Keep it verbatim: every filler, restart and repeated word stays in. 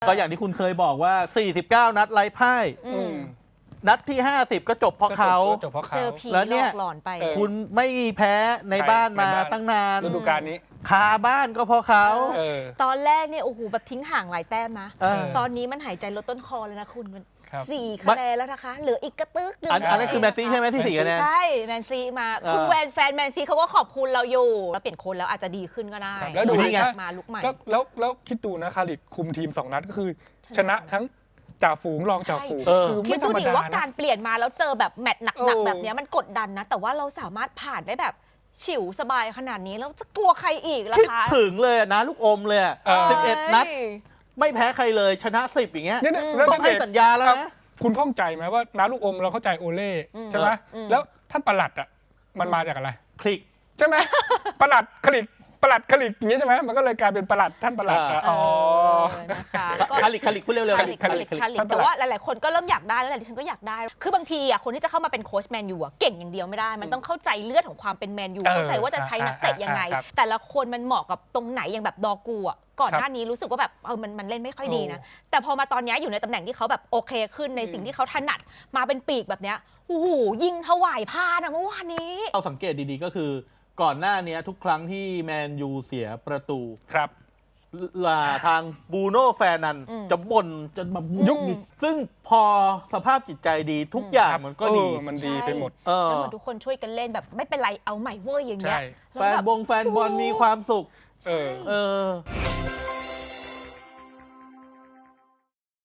ก็อย่างที่คุณเคยบอกว่าสี่สิบเก้านัดไร้พ่ายนัดที่ห้าสิบก็จบเพราะเขาเจอผีหลอกหลอนไปคุณไม่แพ้ในบ้านมาตั้งนานฤดูกาลนี้คาบ้านก็เพราะเขาตอนแรกเนี่ยโอ้โหแบบทิ้งห่างหลายแต้มนะตอนนี้มันหายใจลดต้นคอเลยนะคุณมันสี่คะแนนแล้วนะคะเหลืออีกกระตึกหนึ่งอันนั้นคือแมนซีใช่ไหมที่สี่คะแนนใช่แมนซีมาคือแวนแฟนแมนซีเขาก็ขอบคุณเราอยู่แล้วเปลี่ยนคนแล้วอาจจะดีขึ้นก็ได้แล้วดูนี่มาลุกใหม่แล้วแล้วแล้วคิดดูนะคาริกคุมทีมสองนัดก็คือชนะทั้งจ่าฝูงรองจ่าฝูงคือคิดดูดิว่าการเปลี่ยนมาแล้วเจอแบบแมตช์หนักๆแบบนี้มันกดดันนะแต่ว่าเราสามารถผ่านได้แบบฉิวสบายขนาดนี้แล้วจะกลัวใครอีกล่ะคะคิดถึงเลยนะลูกอมเลยสิบเอ็ดนัดไม่แพ้ใครเลยชนะสิบอย่างเงี้ยต้องให้สัญญาแล้วนะคุณข้องใจไหมว่าน้าลูกอมเราเข้าใจโอเล่ใช่ไหมแล้วท่านประหลัดอ่ะมันมาจากอะไรคลิกใช่ไหมประหลัดคลิกประหลัดคลิกอย่างนี้ใช่ไหมมันก็เลยกลายเป็นประหลัดท่านประหลัดอ๋อนะคะคลิกคลิกพูดเร็วๆคลิกคลิกคลิกแต่ว่าหลายๆคนก็เริ่มอยากได้แล้วแหละดิฉันก็อยากได้คือบางทีอ่ะคนที่จะเข้ามาเป็นโค้ชแมนยูอ่ะเก่งอย่างเดียวไม่ได้มันต้องเข้าใจเลือดของความเป็นแมนยูเข้าใจว่าจะใช้นักเตะยังไงแต่ละคนมันเหมาะกับตรงไหนอย่างแบบดอกูอ่ะก่อนหน้านี้รู้สึกว่าแบบเออมันมันเล่นไม่ค่อยดีนะแต่พอมาตอนนี้อยู่ในตำแหน่งที่เขาแบบโอเคขึ้นในสิ่งที่เขาถนัดมาเป็นปีกแบบเนี้ยโอ้โหยิงถวายพานะเมื่อวานนี้เราสังเกตดีๆก็คือก่อนหน้านี้ทุกครั้งที่แมนยูเสียประตูครับทางบูโน่แฟนนันจะบ่นจนแบบยุบซึ่งพอสภาพจิตใจดีทุกอย่างมันก็ดีมันดีไปหมดแล้วเหมือนทุกคนช่วยกันเล่นแบบไม่เป็นไรเอาใหม่เว้ยอย่างเงี้ยแฟนบงแฟนบอลมีความสุขเออ